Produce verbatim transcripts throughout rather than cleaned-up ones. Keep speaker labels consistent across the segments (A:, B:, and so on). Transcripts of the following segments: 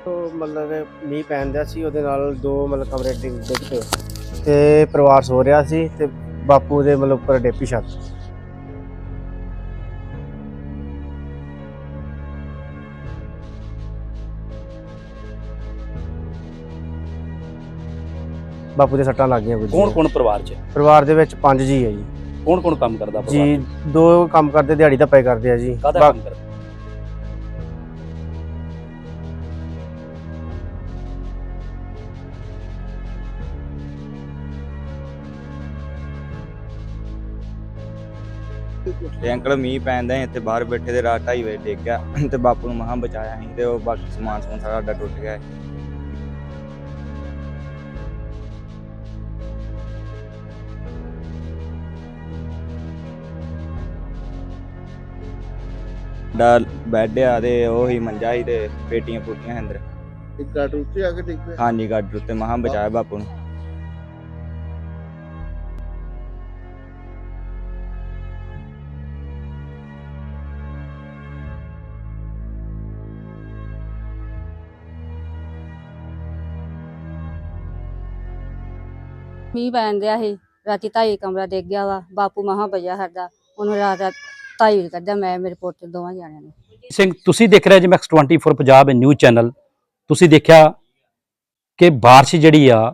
A: ਉਹ ਮਤਲਬ ਕਿ ਮੀਂਹ ਪੈਣ ਦਿਆ ਸੀ, ਉਹਦੇ ਨਾਲ ਦੋ ਮਤਲਬ ਕਮਰੇ ਡਿੱਗ ਡਿੱਗ ਪਏ ਤੇ ਪਰਿਵਾਰ ਸੋ ਰਿਹਾ ਸੀ ਤੇ ਬਾਪੂ ਦੇ ਮਤਲਬ ਉੱਪਰ ਡੇਪੀ ਛੱਤ। ਬਾਪੂ ਦੇ ਸੱਟਾਂ ਲੱਗ ਗਈਆਂ ਕੁਝ।
B: ਕੌਣ ਕੌਣ ਪਰਿਵਾਰ 'ਚ?
A: ਪਰਿਵਾਰ ਦੇ ਵਿੱਚ ਪੰਜ ਜੀ ਹੈ ਜੀ।
B: ਕੌਣ ਕੌਣ ਕੰਮ ਕਰਦਾ ਪਰਿਵਾਰ
A: ਜੀ
B: 'ਚ?
A: ਦੋ ਕੰਮ ਕਰਦੇ, ਦਿਹਾੜੀ ਧੱਪੇ ਕਰਦੇ ਆ ਜੀ।
B: ਕਾਹਦਾ
A: ਬਾ-
B: ਕੰਮ ਕਰਦਾ?
C: ਤੇ ਅੰਕਲ ਮੀਂਹ ਪੈਂਦਾ ਸੀ ਇੱਥੇ ਬਾਹਰ ਬੈਠੇ ਤੇ ਰਾਤ ਢਾਈ ਵਜੇ ਡਿੱਗ ਗਿਆ ਤੇ ਬਾਪੂ ਨੂੰ ਮਹਾਂ ਬਚਾਇਆ ਸੀ ਤੇ ਉਹ ਬਾਕੀ ਸਮਾਨ ਸਮੂਨ ਸਾਰਾ ਸਾਡਾ ਟੁੱਟ ਗਿਆ। ਦਾ ਬੈੱਡ ਆ ਤੇ ਉਹ ਹੀ ਮੰਜਾ ਸੀ ਤੇ ਪੇਟੀਆਂ ਪੁੱਟੀਆਂ ਅੰਦਰ।
D: ਇੱਕ ਗਾਟਰ ਉੱਤੇ ਆ ਕੇ ਡਿੱਗ ਪਿਆ।
C: ਹਾਂਜੀ ਗੱਡ ਉੱਤੇ ਮਹਾਂ ਬਚਾਇਆ ਬਾਪੂ ਨੂੰ।
E: ਮੀਂਹ ਪੈਣ ਦਿਆ ਸੀ, ਰਾਤੀ ਢਾਈ ਕਮਰਾ ਡਿੱਗ ਗਿਆ ਵਾ। ਬਾਪੂ ਮਹਾਂ ਬਚਿਆ ਸਾਡਾ, ਉਹਨੂੰ ਰਾਤ ਰਾਤ ਢਾਈ ਕੱਢਿਆ, ਮੈਂ ਮੇਰੇ ਪੁੱਤ ਦੋਵਾਂ ਜਾਣਿਆਂ ਨੇ।
B: ਸਿੰਘ, ਤੁਸੀਂ ਦੇਖ ਰਹੇ ਜੀ Max twenty four Punjab news channel. ਤੁਸੀਂ ਦੇਖਿਆ ਕਿ ਬਾਰਿਸ਼ ਜਿਹੜੀ ਆ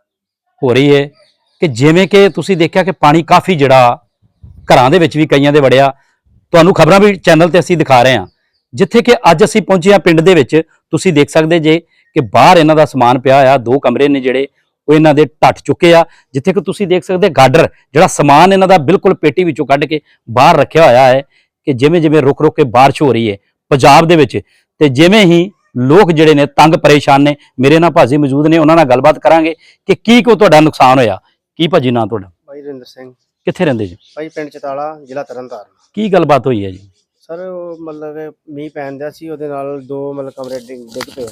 B: ਹੋ ਰਹੀ ਹੈ ਕਿ ਜਿਵੇਂ ਕਿ ਤੁਸੀਂ ਦੇਖਿਆ ਕਿ ਪਾਣੀ ਕਾਫੀ ਜਿਹੜਾ ਘਰਾਂ ਦੇ ਵਿੱਚ ਵੀ ਕਈਆਂ ਦੇ ਵੜਿਆ। ਤੁਹਾਨੂੰ ਖਬਰਾਂ ਵੀ ਚੈਨਲ ਤੇ ਅਸੀਂ ਦਿਖਾ ਰਹੇ ਹਾਂ, ਜਿੱਥੇ ਕਿ ਅੱਜ ਅਸੀਂ ਪਹੁੰਚੇ ਹਾਂ ਪਿੰਡ ਦੇ ਵਿੱਚ। ਤੁਸੀਂ ਦੇਖ ਸਕਦੇ ਜੇ ਕਿ ਬਾਹਰ ਇਹਨਾਂ ਦਾ ਸਮਾਨ ਪਿਆ ਆ, ਦੋ ਕਮਰੇ ਨੇ ਜਿਹੜੇ ਉਹ ਇਹਨਾਂ ਦੇ ਟੱਟ ਚੁੱਕੇ ਆ। ਜਿੱਥੇ ਕਿ ਤੁਸੀਂ ਦੇਖ ਸਕਦੇ ਗਾਡਰ ਜਿਹੜਾ ਸਮਾਨ ਇਹਨਾਂ ਦਾ ਬਿਲਕੁਲ ਪੇਟੀ ਵਿੱਚੋਂ ਕੱਢ ਕੇ ਬਾਹਰ ਰੱਖਿਆ ਹੋਇਆ ਹੈ ਕਿ ਜਿਵੇਂ ਜਿਵੇਂ ਰੁਕ ਰੁਕ ਕੇ ਬਾਰਿਸ਼ ਹੋ ਰਹੀ ਹੈ ਪੰਜਾਬ ਦੇ ਵਿੱਚ, ਤੇ ਜਿਵੇਂ ਹੀ ਲੋਕ ਜਿਹੜੇ ਨੇ ਤੰਗ ਪਰੇਸ਼ਾਨ ਨੇ। ਮੇਰੇ ਨਾਲ ਭਾਜੀ ਮੌਜੂਦ ਨੇ, ਉਹਨਾਂ ਨਾਲ ਗੱਲਬਾਤ ਕਰਾਂਗੇ ਕਿ ਕੀ ਕੋ ਤੁਹਾਡਾ ਨੁਕਸਾਨ ਹੋਇਆ। ਕੀ ਭਾਜੀ ਨਾਂ ਤੁਹਾਡਾ?
A: ਭਾਈ ਰਿੰਦਰ ਸਿੰਘ।
B: ਕਿੱਥੇ ਰਹਿੰਦੇ ਜੀ?
A: ਭਾਈ ਪਿੰਡ ਚਤਾਲਾ, ਜ਼ਿਲ੍ਹਾ ਤਰਨਤਾਰਨ।
B: ਕੀ ਗੱਲਬਾਤ ਹੋਈ ਹੈ ਜੀ?
A: ਸਰ ਉਹ ਮਤਲਬ ਕਿ ਮੀਂਹ ਪੈਣ ਦਿਆ ਸੀ, ਉਹਦੇ ਨਾਲ ਦੋ ਮਤਲਬ ਕਮਰੇ ਡਿੱਗ ਡਿੱਗ ਪਏ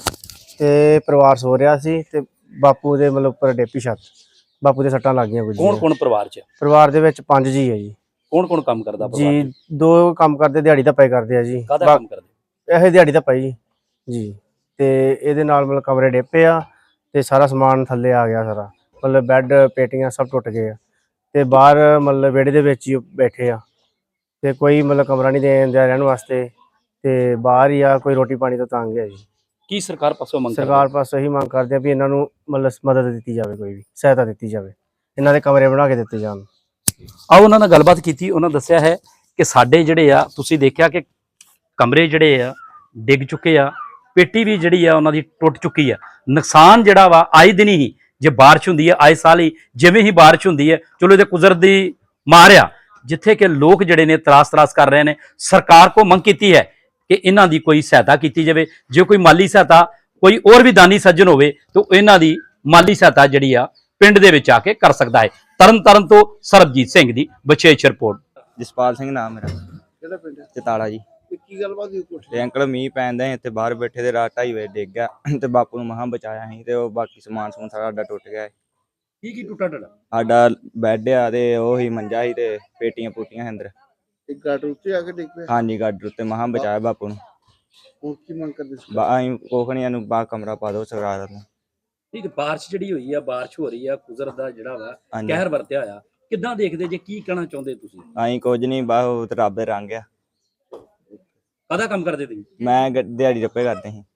A: ਤੇ ਪਰਿਵਾਰ ਸੋ ਰਿਹਾ ਸੀ ਤੇ ਬਾਪੂ ਦੇ ਮਤਲਬ ਉੱਪਰ ਡੇਪੀ ਛੱਤ। ਬਾਪੂ ਦੇ ਸੱਟਾਂ ਲੱਗ ਗਈਆਂ ਕੁਝ।
B: ਕੌਣ ਕੌਣ ਪਰਿਵਾਰ 'ਚ?
A: ਪਰਿਵਾਰ ਦੇ ਵਿੱਚ ਪੰਜ ਜੀ ਹੈ ਜੀ।
B: ਕੌਣ ਕੌਣ ਕੰਮ ਕਰਦਾ ਪਰਿਵਾਰ 'ਚ?
A: ਜੀ ਦੋ ਕੰਮ ਕਰਦੇ, ਦਿਹਾੜੀ ਧੱਪੇ ਕਰਦੇ ਆ ਜੀ।
B: ਕਾਹਦਾ
A: ਬਾ-
B: ਕੰਮ ਕਰਦੇ?
A: ਇਹ ਦਿਹਾੜੀ ਧੱਪਾ ਜੀ ਜੀ। ਤੇ ਇਹਦੇ ਨਾਲ ਮਤਲਬ ਕਮਰੇ ਡੇਪੇ ਆ ਤੇ ਸਾਰਾ ਸਮਾਨ ਥੱਲੇ ਆ ਗਿਆ ਸਾਰਾ, ਮਤਲਬ ਬੈੱਡ ਪੇਟੀਆਂ ਸਭ ਟੁੱਟ ਗਏ ਆ ਤੇ ਬਾਹਰ ਮਤਲਬ ਵਿਹੜੇ ਦੇ ਵਿੱਚ ਹੀ ਬੈਠੇ ਆ ਤੇ ਕੋਈ ਮਤਲਬ ਕਮਰਾ ਨਹੀਂ ਦੇਣ ਦਿਆ ਰਹਿਣ ਵਾਸਤੇ ਤੇ ਬਾਹਰ ਹੀ ਆ। ਕੋਈ ਰੋਟੀ ਪਾਣੀ ਤੋਂ ਤੰਗ ਹੈ ਜੀ।
B: ਕੀ ਸਰਕਾਰ ਪਾਸੋਂ ਮੰਗ ਕਰਦੇ?
A: ਸਰਕਾਰ ਪਾਸੋਂ ਇਹੀ ਮੰਗ ਕਰਦੇ ਆ ਵੀ ਇਹਨਾਂ ਨੂੰ ਮਤਲਬ ਮਦਦ ਦਿੱਤੀ ਜਾਵੇ, ਕੋਈ ਵੀ ਸਹਾਇਤਾ ਦਿੱਤੀ ਜਾਵੇ, ਇਹਨਾਂ ਦੇ ਕਮਰੇ ਬਣਾ ਕੇ ਦਿੱਤੇ ਜਾਣ।
B: ਆਓ ਉਹਨਾਂ ਨਾਲ ਗੱਲਬਾਤ ਕੀਤੀ। ਉਹਨਾਂ ਦੱਸਿਆ ਹੈ ਕਿ ਸਾਡੇ ਜਿਹੜੇ ਆ, ਤੁਸੀਂ ਦੇਖਿਆ ਕਿ ਕਮਰੇ ਜਿਹੜੇ ਆ ਡਿੱਗ ਚੁੱਕੇ ਆ, ਪੇਟੀ ਵੀ ਜਿਹੜੀ ਆ ਉਹਨਾਂ ਦੀ ਟੁੱਟ ਚੁੱਕੀ ਆ। ਨੁਕਸਾਨ ਜਿਹੜਾ ਵਾ ਆਏ ਦਿਨ ਹੀ, ਜੇ ਬਾਰਿਸ਼ ਹੁੰਦੀ ਹੈ ਆਏ ਸਾਲ ਹੀ, ਜਿਵੇਂ ਹੀ ਬਾਰਿਸ਼ ਹੁੰਦੀ ਹੈ, ਚਲੋ ਇਹਦੇ ਕੁਦਰਤ ਦੀ ਮਾਰ ਆ, ਜਿੱਥੇ ਕਿ ਲੋਕ ਜਿਹੜੇ ਨੇ ਤਰਾਸ ਤਰਾਸ ਕਰ ਰਹੇ ਨੇ। ਸਰਕਾਰ ਕੋ ਮੰਗ ਕੀਤੀ ਹੈ ਕਿ ਇਹਨਾਂ ਦੀ ਕੋਈ ਸਹਾਇਤਾ ਕੀਤੀ ਜਾਵੇ। ਜੇ ਕੋਈ ਮਾਲੀ ਸਹਾਇਤਾ, ਕੋਈ ਹੋਰ ਵੀ ਦਾਨੀ ਸੱਜਣ ਹੋਵੇ ਤਾਂ ਇਹਨਾਂ ਦੀ ਮਾਲੀ ਸਹਾਇਤਾ ਜਿਹੜੀ ਆ ਪਿੰਡ ਦੇ ਵਿੱਚ ਆ ਕੇ ਕਰ ਸਕਦਾ ਹੈ। ਤਰਨ ਤਾਰਨ ਤੋਂ ਸਰਬਜੀਤ ਸਿੰਘ ਦੀ ਵਿਸ਼ੇਸ਼ ਰਿਪੋਰਟ।
C: ਜਸਪਾਲ ਸਿੰਘ ਨਾਮ ਮੇਰਾ,
D: ਕਿਹੜਾ ਪਿੰਡ?
C: ਚਤਾਲਾ ਜੀ।
D: ਤੇ ਕੀ ਗੱਲਬਾਤ ਹੋਈ ਕੋਠੇ
C: ਤੇ ਅੰਕਲ ਮੀਂਹ ਪੈਂਦਾ ਸੀ ਇੱਥੇ ਬਾਹਰ ਬੈਠੇ ਤੇ ਰਾਤ ਢਾਈ ਵਜੇ ਡਿੱਗ ਗਿਆ ਤੇ ਬਾਪੂ ਨੂੰ ਮਹਾਂ ਬਚਾਇਆ ਸੀ ਤੇ ਉਹ ਬਾਕੀ ਸਮਾਨ ਸਮੂਨ ਸਾਰਾ ਸਾਡਾ ਟੁੱਟ ਗਿਆ।
B: ਕੀ ਕੀ ਟੁੱਟਾ ਟੁੱਟਾ?
C: ਸਾਡਾ ਬੈੱਡ ਆ ਤੇ ਉਹ ਹੀ ਮੰਜਾ ਸੀ ਤੇ ਪੇਟੀਆਂ ਪੁੱਟੀਆਂ ਅੰਦਰ।
D: ਇੱਕ ਗਾਟਰ ਉੱਤੇ ਆ ਕੇ ਡਿੱਗ ਪਿਆ।
C: ਹਾਂਜੀ ਗੱਡ ਉੱਤੇ ਮਹਾਂ ਬਚਾਇਆ ਬਾਪੂ ਨੂੰ।
D: ਹੁਣ ਕੀ ਮੰਗ ਕਰਦੇ ਸੀ?
C: ਬਾਈ ਕੋਖਣੀਆਂ ਨੂੰ ਬਾਹਰ ਕਮਰਾ ਪਾ ਦਿਓ ਸਰਕਾਰ ਨੂੰ।
B: ਠੀਕ, ਬਾਰਿਸ਼ ਜਿਹੜੀ ਹੋਈ ਆ, ਬਾਰਿਸ਼ ਹੋ ਰਹੀ ਆ, ਕੁਦਰਤ ਦਾ ਜਿਹੜਾ ਵਾ
C: ਹਾਂਜੀ
B: ਕਹਿਰ ਵਰਤਿਆ ਹੋਇਆ, ਕਿੱਦਾਂ ਦੇਖਦੇ ਜੇ? ਕੀ ਕਹਿਣਾ ਚਾਹੁੰਦੇ ਤੁਸੀਂ?
C: ਅਸੀਂ ਕੁਝ ਨਹੀਂ, ਬਾਹ ਰੱਬ ਦੇ ਰੰਗ ਆ।
B: ਕਾਹਦਾ ਕੰਮ ਕਰਦੇ ਤੁਸੀਂ?
C: ਮੈਂ ਗ- ਦਿਹਾੜੀ ਰੱਪੇ ਕਰਦੇ ਸੀ।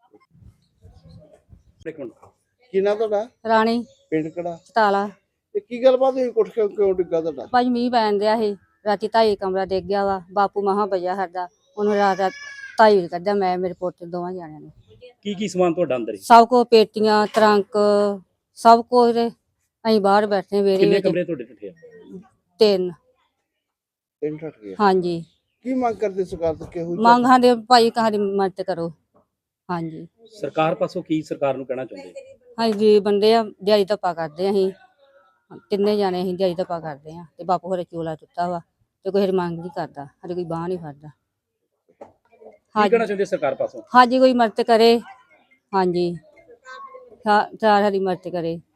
B: ਇੱਕ ਮਿੰਟ।
D: ਕੀ ਨਾਂ ਤੁਹਾਡਾ?
E: ਰਾਣੀ
D: ਪਿੰਡ ਕਿਹੜਾ?
E: ਚਤਾਲਾ।
D: ਤੇ ਕੀ ਗੱਲਬਾਤ ਹੋਈ ਕੋਠੇ ਕਿਉਂ ਕਿਉਂ ਡਿੱਗਾ ਤੁਹਾਡਾ?
E: ਭਾਈ ਮੀਂਹ ਪੈਣ ਦਿਆ ਸੀ, ਰਾਤੀ ਢਾਈ ਕਮਰਾ ਡਿੱਗ ਗਿਆ ਵਾ। ਬਾਪੂ ਮਹਾਂ ਬਚਿਆ ਸਾਡਾ, ਉਹਨੂੰ ਰਾਤ ਰਾਤ ਢਾਈ ਕੱਢਿਆ, ਮੈਂ ਮੇਰੇ ਪੁੱਤ ਦੋਵਾਂ ਜਾਣਿਆਂ ਨੇ।
B: ਕੀ ਕੀ ਸਮਾਨ ਤੁਹਾਡਾ ਅੰਦਰ ਹੀ?
E: ਸਭ ਕੋ ਪੇਟੀਆਂ, ਟਰੰਕ, ਸਭ ਕੁਝ। ਅਸੀਂ ਬਾਹਰ ਬੈਠੇ ਵਿਹੜੇ
B: ਕਿੰਨੇ
E: ਵਿੱਚ।
B: ਕਮਰੇ ਤੁਹਾਡੇ ਟੁੱਟੇ ਆ?
E: ਤਿੰਨ।
D: ਪਿੰਡ ਠੱਟ ਗਿਆ।
E: ਹਾਂਜੀ।
D: ਕੀ ਮੰਗ ਕਰਦੇ ਸਰਕਾਰ ਤੋਂ? ਕਿਹੋ ਜਿਹੀ-
E: ਮੰਗ ਸਾਡੇ ਭਾਈ ਕਹਾਣੀ ਮਦਦ ਕਰੋ। ਹਾਂਜੀ।
B: ਸਰਕਾਰ ਪਾਸੋਂ ਕੀ ਸਰਕਾਰ ਨੂੰ ਕਹਿਣਾ ਚਾਹੁੰਦੇ?
E: ਅਸੀਂ ਗਰੀਬ ਬੰਦੇ ਆ, ਦਿਹਾੜੀ ਧੱਪਾ ਕਰਦੇ ਆ। ਅਸੀਂ ਤਿੰਨੇ ਜਾਣੇ ਅਸੀਂ ਦਿਹਾੜੀ ਧੱਪਾ ਕਰਦੇ ਆ ਤੇ ਬਾਪੂ ਹਰੇ ਚੋਲਾ ਟੁੱਟਾ ਵਾ ਤੇ ਕੋਈ ਹਰੀ ਮੰਗ ਨਹੀਂ ਕਰਦਾ, ਹਰੇ ਕੋਈ ਬਾਂਹ ਨਹੀਂ ਫੜਦਾ।
B: ਕੀ ਕਹਿਣਾ ਚਾਹੁੰਦੇ ਸਰਕਾਰ ਪਾਸੋਂ?
E: ਹਾਂਜੀ ਕੋਈ ਮਦਦ ਕਰੇ। ਹਾਂਜੀ, ਸਾਰੀ ਮਦਦ ਕਰੇ।